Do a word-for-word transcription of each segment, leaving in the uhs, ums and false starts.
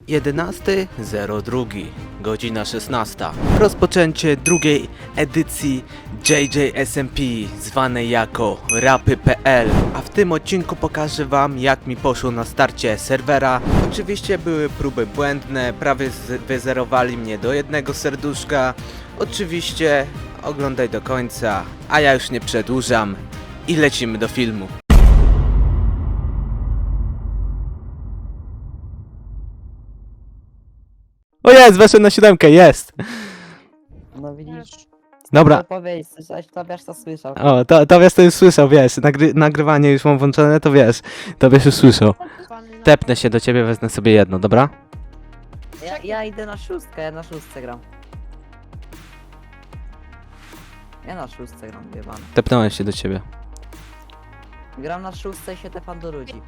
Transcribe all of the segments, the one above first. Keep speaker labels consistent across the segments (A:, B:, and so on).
A: jedenasty zero dwa, godzina szesnasta. Rozpoczęcie drugiej edycji J J S M P, zwanej jako rapy kropka p l. A w tym odcinku pokażę wam, jak mi poszło na starcie serwera. Oczywiście były próby błędne, prawie wyzerowali mnie do jednego serduszka. Oczywiście oglądaj do końca, a ja już nie przedłużam i lecimy do filmu. O jest, weszłem na siódemkę, jest!
B: No widzisz,
A: Dobra,
B: co powiedzieć, coś Tobiasz to słyszał.
A: o, to, Tobiasz to już słyszał, wiesz, nagry nagrywanie już mam włączone, to wiesz, Tobiasz już słyszał. Tepnę się do ciebie, wezmę sobie jedno, dobra?
B: Ja, ja idę na szóstkę, ja na szóstce gram. Ja na szóstce gram, jebany.
A: Tepnąłem się do ciebie.
B: Gram na szóstce i się tepam do ludzi.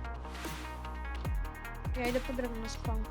C: Ja idę po drewno na spawn.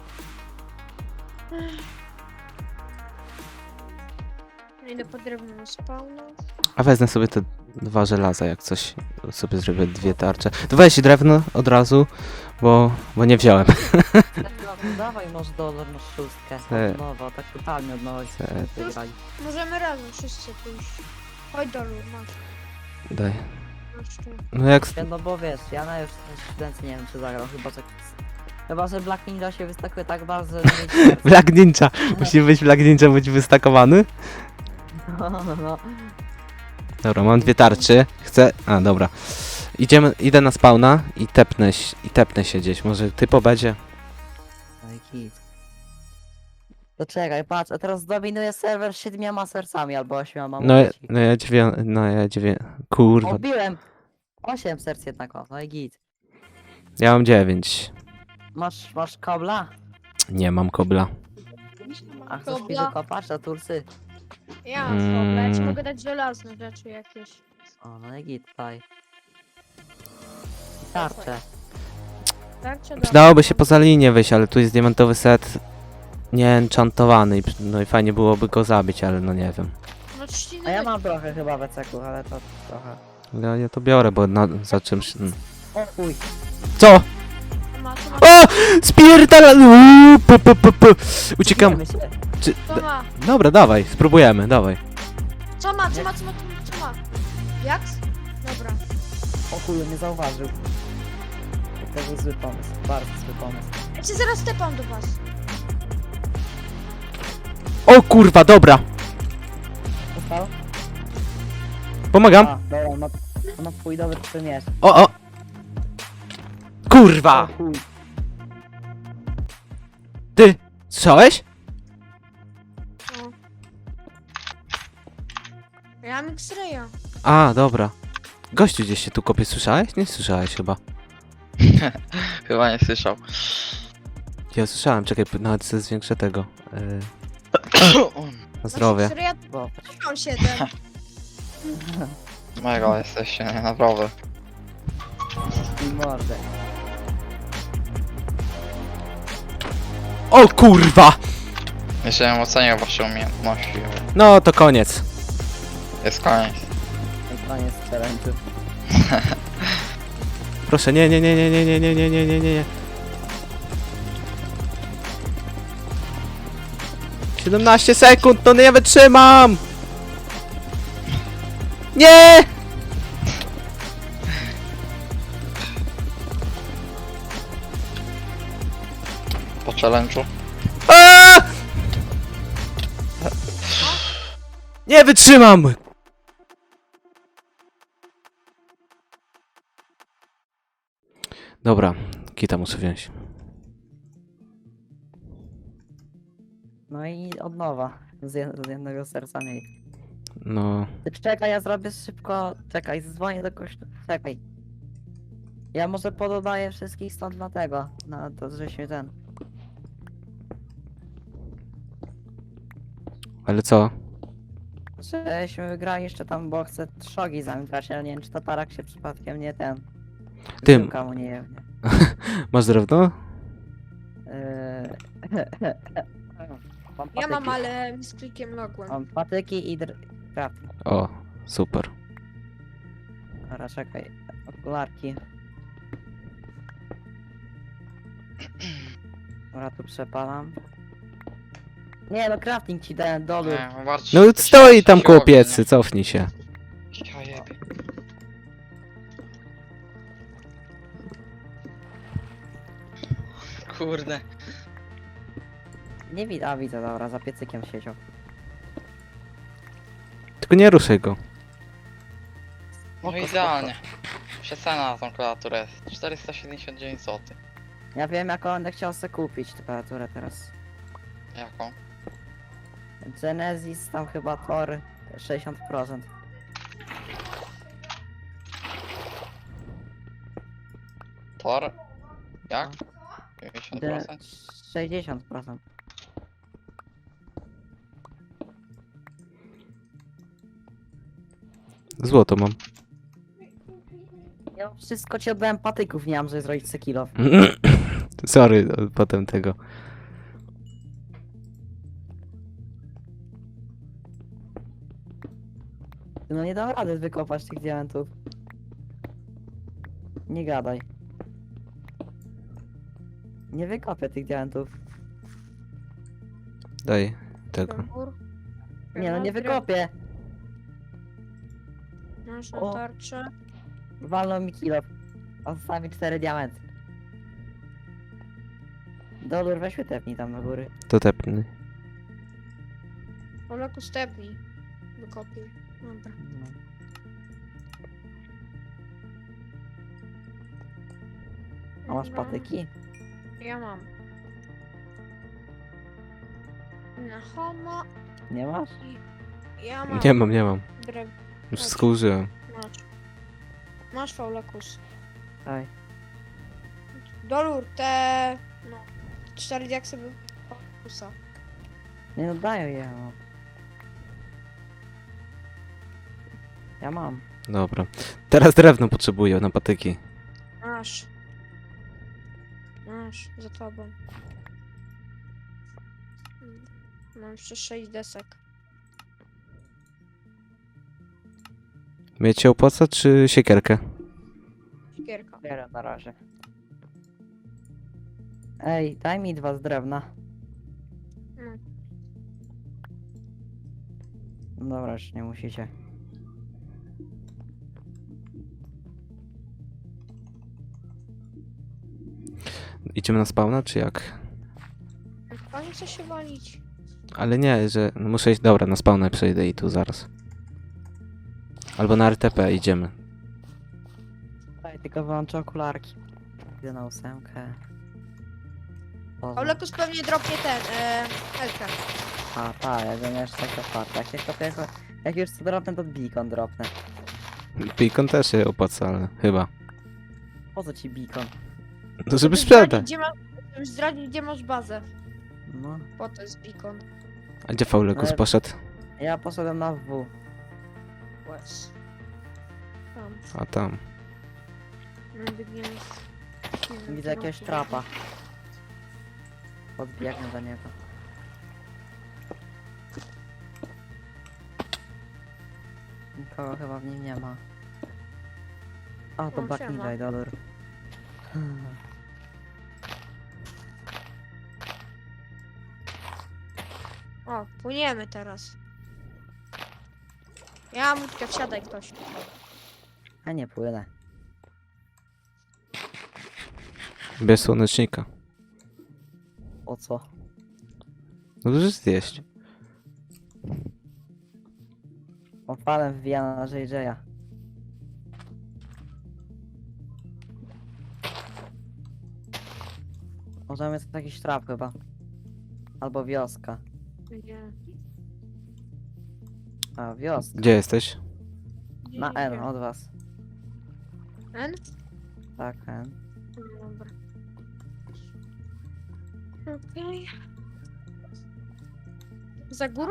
C: Ja idę po drewno na spawn.
A: A wezmę sobie te dwa żelaza, jak coś, sobie zrobię dwie tarcze. To weź drewno od razu, bo, bo nie wziąłem.
B: No, dawaj może dolar na szóstkę,
A: E.
B: od nowa, tak totalnie od nowa
A: E.
B: się wygrali.
C: Możemy razem wszyscy pójść. Chodź do lur, masz.
A: Daj.
C: masz tu.
A: No jak...
B: Ja, no bo wiesz, ja na już studencji nie wiem czy zagrał, chyba że... Chyba, że Black Ninja się wystakuje tak bardzo, że nie mieć
A: Black Ninja! Musi być Black Ninja być wystakowany?
B: no, no, no.
A: Dobra, mam dwie tarczy. Chcę... A, dobra. Idziemy, idę na spawna i tepnę, się- i tepnę się gdzieś. Może typo będzie?
B: No i kit. To czekaj, patrz, a teraz dominuje serwer siedmioma sercami albo ośmioma.
A: No,
B: mówię ci.
A: no ja dziewię... No ja dziewię... Kurwa.
B: Obiłem! Osiem serc jednak, o, no i git.
A: Ja mam dziewięć.
B: Masz, masz kobla?
A: Nie mam kobla.
B: A chcesz mi
C: Kobla.
B: wykopać na tursy?
C: Ja mam mm. ja ci
A: Mm.
C: mogę dać żelazne rzeczy jakieś.
B: O, no i git, daj. I tarczę.
C: Tak czy
A: Przydałoby się poza linię wyjść, ale tu jest diamentowy set nieenchantowany i przy- no i fajnie byłoby go zabić, ale no nie wiem.
C: No trzciny
B: A ja
C: weź.
B: mam trochę chyba weceku, ale to trochę.
A: Ja, ja to biorę, bo na, za czymś... mm.
B: O chuj!
A: Co?
C: To ma, to ma,
A: O! Spierdala! Uuu, pu, pu, pu, pu. Uciekam.
B: Bijemy się.
A: Czy...
C: to ma.
A: Dobra, dawaj, spróbujemy, dawaj.
C: Co ma, co ma, co ma, co ma? Jak? Dobra.
B: O chuj, nie zauważył. To był zły pomysł, bardzo zły pomysł.
C: Ja cię zaraz tepam do was.
A: O kurwa, dobra!
B: Dostał?
A: Pomagam.
B: A, dobra, no, no twój dobry przymierz.
A: O, o! Kurwa!
B: O chuj.
A: Ty! Słyszałeś?
C: O. Ja mam X-raya.
A: A, dobra. Gościu gdzieś się tu kopie, słyszałeś? Nie słyszałeś chyba.
D: Chyba nie słyszał.
A: Ja słyszałem, czekaj, nawet sobie zwiększę tego. Yy, na zdrowie.
C: X-raya
B: Bo,
C: mam siedem.
D: Mega jesteście, nie, naprawdę.
B: i mordę.
A: O kurwa!
D: Jeszcze bym oceniał wasze umiejętności, ale
A: No to koniec.
D: jest koniec.
B: I koniec challenge'u.
A: Proszę, nie, nie, nie, nie, nie, nie, nie, nie, nie, nie, nie. siedemnaście sekund, no nie wytrzymam! Nie!
D: Po challenge'u.
A: A! Nie wytrzymam! Dobra, kita muszę wziąć.
B: No i od nowa. Z, jed z jednego serca mniej.
A: No,
B: Ty czekaj, ja zrobię szybko. Czekaj, dzwonię do kościoła. Czekaj. Ja może pododaję wszystkich stąd na tego. Na to, żeśmy ten.
A: ale co?
B: Żeśmy wygrali jeszcze tam, bo chcę trzogi zamykać, ale nie wiem, czy to tarak się przypadkiem nie ten.
A: Tym.
B: Piłka mu nie jewnie.
A: Masz drewno?
B: Eee... mam
C: Ja mam,
B: patyki.
C: ale z klikiem mogłem.
B: Mam patyki i dr... crafting.
A: O, super.
B: Dobra, czekaj. Okularki. Dobra, Dobra, tu przepalam. Nie no, crafting ci dałem, dolur.
D: Nie, zobaczcie,
A: No
D: to
A: stoi
D: się-
A: tam
D: się
A: koło
D: robi, nie?
A: piecy, cofnij się.
D: Ja jebie. Kurde.
B: Nie widzę, a widzę, dobra, za piecykiem siedział.
A: Tylko nie ruszaj go.
D: No
B: Spoko,
D: idealnie. Przecena na tą klawiaturę jest czterysta siedemdziesiąt dziewięć złotych.
B: Ja wiem jaką będę chciał sobie kupić temperaturę teraz.
D: Jaką?
B: Genesis, tam chyba Tor sześćdziesiąt procent.
D: Tor? Jak? dziewięćdziesiąt
B: De-
D: procent?
B: sześćdziesiąt procent.
A: Złoto mam.
B: Ja wszystko ci oddałem patyków, nie mam, żeby zrobić se kilo.
A: Sorry, potem tego.
B: No nie dam rady wykopać tych diamentów. Nie gadaj. Nie wykopię tych diamentów.
A: Daj tego.
C: Tambur.
B: Nie no, nie wykopię.
C: Masz
B: O.
C: tarczę.
B: Walną mi kilo. A zostawi mi cztery diamenty. Dolur, weź tepnij tam na góry.
A: To tepny.
C: Oleku stepnij. Wykopię. Dobra.
B: No. A masz
C: Dobra.
B: patyki?
C: Ja mam. Na homo.
B: Nie masz?
C: Ja mam.
A: Nie mam, nie mam.
C: Drew.
A: Już wszystko użyłem.
C: Masz. Masz faulakus.
B: Daj.
C: Dolur te... No. Cztery diaksy by faulakusa.
B: Nie no, daję je. No. Ja mam.
A: Dobra. Teraz drewno potrzebuję na patyki.
C: Masz. Masz, za tobą. Mm, Mam jeszcze sześć desek.
A: Mieć się opłaca, czy siekierkę?
C: Gierka.
B: Bierę na razie. Ej, daj mi dwa z drewna.
C: Mm.
B: Dobra, już nie musicie.
A: Idziemy na spawna, czy jak?
C: Pani chce się walić.
A: Ale nie, że no muszę iść. Dobra, na spawna przejdę i tu zaraz. Albo na R T P idziemy.
B: Daj, tylko wyłączę okularki. Idę na ósemkę. Poza.
C: Olekus pewnie dropnie ten, e, Elkę.
B: A, tak, ja go jeszcze tak otwarte. Jak, jak, jak, jak już co dropnę, to beacon dropnę.
A: Beacon też się opłaca, ale chyba.
B: Po co ci beacon?
A: No żeby
C: Żebyś
A: sprzedać.
C: zdradzić, gdzie ma- żebyś zdradzić, gdzie masz bazę.
B: No,
C: Po to jest beacon.
A: A gdzie Faulekus
B: Ale-
A: poszedł?
B: ja poszedłem na W.
C: Łez. Tam.
A: A tam.
C: No, biegniemy. Nie wiem,
B: Widzę
C: gdzie
B: jakiegoś
C: mam
B: trapa. Podbiegnę do niego. Nikogo chyba w nim nie ma. A, to
C: O,
B: Black
C: siema.
B: Ninja i dollar.
C: O, płyniemy teraz. Ja mam łódkę, wsiadaj ktoś.
B: A nie płynę.
A: Bez słonecznika.
B: O co?
A: No to już zjeść.
B: Opalem wbijana na J J a. Może jest jakiś trap chyba. Albo wioska.
C: Nie.
B: A, wioska.
A: Gdzie jesteś?
C: Gdzie,
B: Na
C: gdzie,
B: N
C: gdzie?
B: od was.
C: N?
B: Tak, N.
C: No, dobra. Okej. Za górą?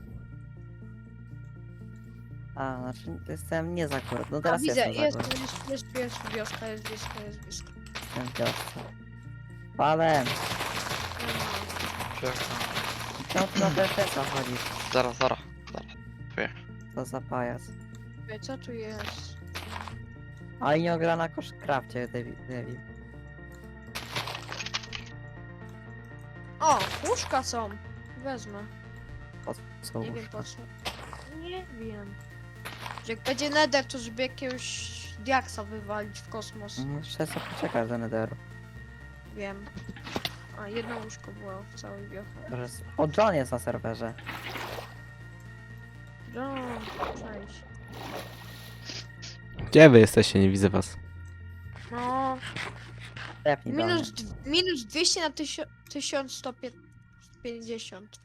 B: A, znaczy jestem nie za górą. No
C: A,
B: teraz
C: widzę,
B: jestem
C: jest,
B: za górą.
C: jest, jest, jest wioska, jest wioska, jest wioska.
B: Jestem w wiosce. Palem!
D: Czekam.
B: Czemu ty na P F S a chodzisz?
D: Zaraz, zaraz.
B: Co za pajac.
C: Ej, co tu jest?
B: A i nie ogra na koszkrafcie, Devi- Devi.
C: O, łóżka są. Wezmę.
B: Po co?
C: Nie wiem po co. Nie wiem. Że jak będzie nether, to żeby jakiegoś diaksa wywalić w kosmos.
B: No, Jeszcze sobie poczekaj do Netheru.
C: Wiem. A, jedno łóżko było w całej wioche.
B: Może s- O, John jest na serwerze.
C: No, cześć.
A: Gdzie wy jesteście? Nie widzę was.
C: No,
B: Tepnij do mnie.
C: minus, d- minus dwieście na tysio- tysiąc sto pięćdziesiąt.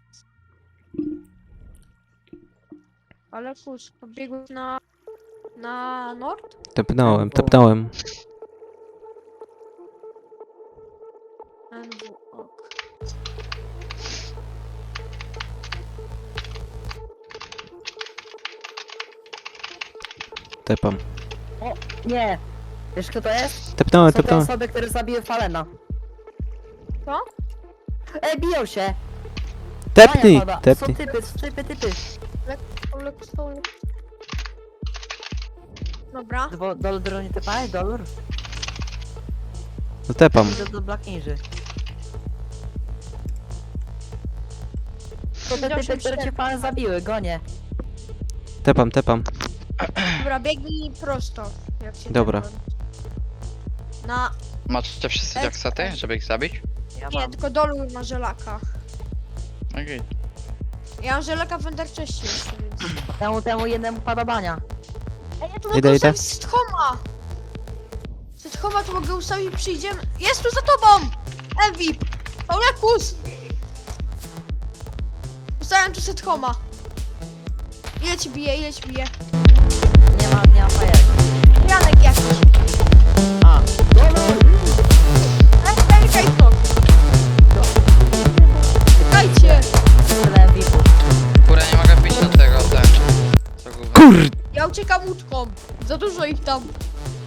C: Ale kus, pobiegłeś na... na nord?
A: Tepnąłem, tepnąłem.
C: N W, ok.
A: Tepam.
B: Nie! Wiesz kto to jest?
A: Tepnąłem,
B: Są te
A: tepnąłem.
B: osoby, które zabiły Falena.
C: Co?
B: Ej, biją się!
A: Tepnij,
B: Pada. Są
A: tepnij.
B: typy, są typy, typy.
C: Stolek, stolek. Dobra.
B: Dwo- Dolur, dolur, nie typałeś? Dolur?
A: No tepam.
B: Idę do Black Ninja. To te typy, które cię Falen zabiły, gonie.
A: Tepam, tepam.
C: Dobra, biegnij prosto. Jak się
A: Dobra.
C: tak- Na...
D: Macie wszyscy
C: Ej,
D: jaksety,
C: ej.
D: żeby ich zabić?
B: Ja
C: Nie,
B: mam.
C: tylko Dolur ma żelaka.
D: Okej.
C: Ja mam żelaka w Enderchestie jeszcze, więc...
B: Temu, temu jednemu padobania.
C: Ej, ja tu
A: Idę,
C: mogę
A: idę.
C: ustawić sethoma! Sethoma tu mogę ustawić, przyjdziemy... Jest tu za tobą! Ewi! Paulekus! Ustawiam tu sethoma. Ile ci bije, ile ci bije?
B: Nie ma, nie ma fajerki.
C: Janek jakiś.
B: A, dolur!
C: Ej, ej, ej, to. Czekajcie!
B: Tyle M V P.
D: Kurde, nie mogę wbić do tego, tak. Co gówno.
A: Kur...
C: Ja uciekam łódką. Za dużo ich tam.